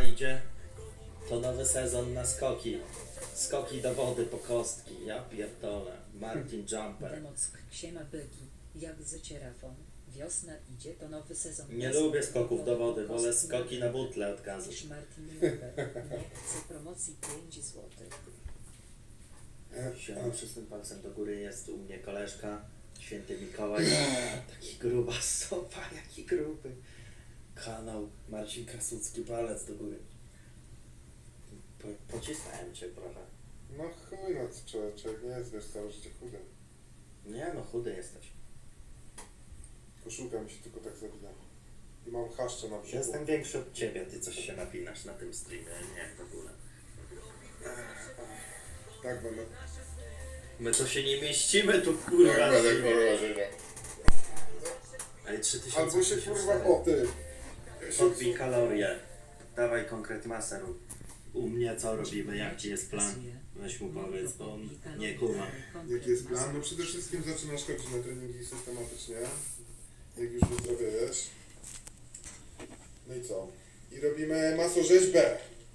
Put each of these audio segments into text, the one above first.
idzie, to nowy sezon na skoki. Skoki do wody po kostki. Ja pierdolę. Martin Jumper. Demock, siema byki, jak z cierafą. Wiosna idzie, to nowy sezon. Nie lubię skoków do wody, wolę skoki na butle od gazu. Niż Martin Luber. Nie chcę promocji 5 złotych. Siema, przystym palcem do góry jest u mnie koleżka, święty Mikołaj. Taki gruba sopa, jaki gruby. Kanał Marcin Krasucki, palec do góry. Pocisnąłem cię trochę. No chuj, no co człowiek nie jest, wiesz, całe życie chudy. Nie no, chudy jesteś. Koszulka mi się tylko tak zabija. I mam chaszcze na brzuchu. Jestem większy od ciebie, ty coś się napinasz na tym streamie, nie w ogóle. Tak będę. My to się nie mieścimy tu kurwa. Tak będę, kurwa, żyga. Ale 3000. Albo się kurwa, o ty. Podbij kalorie. Dawaj konkret masę rób. U mnie co robimy, jaki jest plan? Weź mu powiedz, bo on nie kuma. Jaki jest plan? No przede wszystkim zaczynasz chodzić na treningi systematycznie. Jak już wyzdrowiejesz. No i co? I robimy masorzeźbę.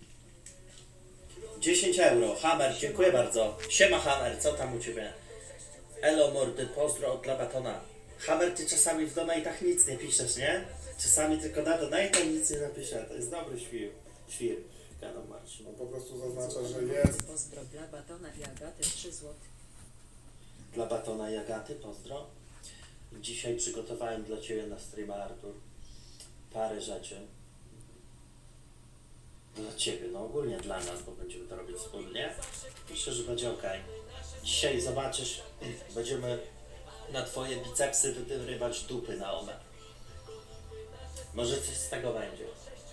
10 euro. Hammer, dziękuję bardzo. Siema Hammer, co tam u ciebie? Elo mordy, pozdro od Labatona. Hammer, ty czasami w donatach nic nie piszesz, nie? Czasami tylko na donata nic nie napisze. To jest dobry świr. Świr. Kanał Marcin. No po prostu zaznacza, że jest. Pozdro dla Batona i Agaty 3 zł. Dla Batona i Agaty, pozdro. Dzisiaj przygotowałem dla ciebie na streama, Artur, parę rzeczy. Dla ciebie, no ogólnie dla nas, bo będziemy to robić wspólnie. Myślę, że będzie ok. Dzisiaj zobaczysz, będziemy na twoje bicepsy wyrywać dupy na one. Może coś z tego będzie.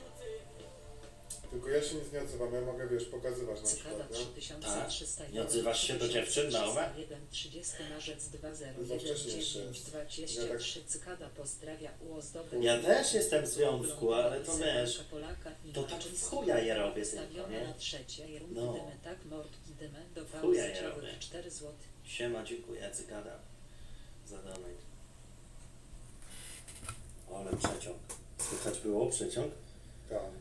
Tylko ja się nic nie odzywam, ja mogę, wiesz, pokazywać na Cykada przykład, nie? 3300. Nie odzywasz się do dziewczyn na OME? 30 marzec Za 2019 wcześnie jeszcze jest. 23. Cykada pozdrawia uozdoby. Ja też jestem w związku, ale to wiesz, to tak w chuja je robię tylko, Stawione nie? na trzecie, rundy No. dymy, tak, mordki dymy, do chuja je pauzy robię. 4 zł. Siema, dziękuję, cykada za donate. Ale przeciąg. Słychać było przeciąg? Tak.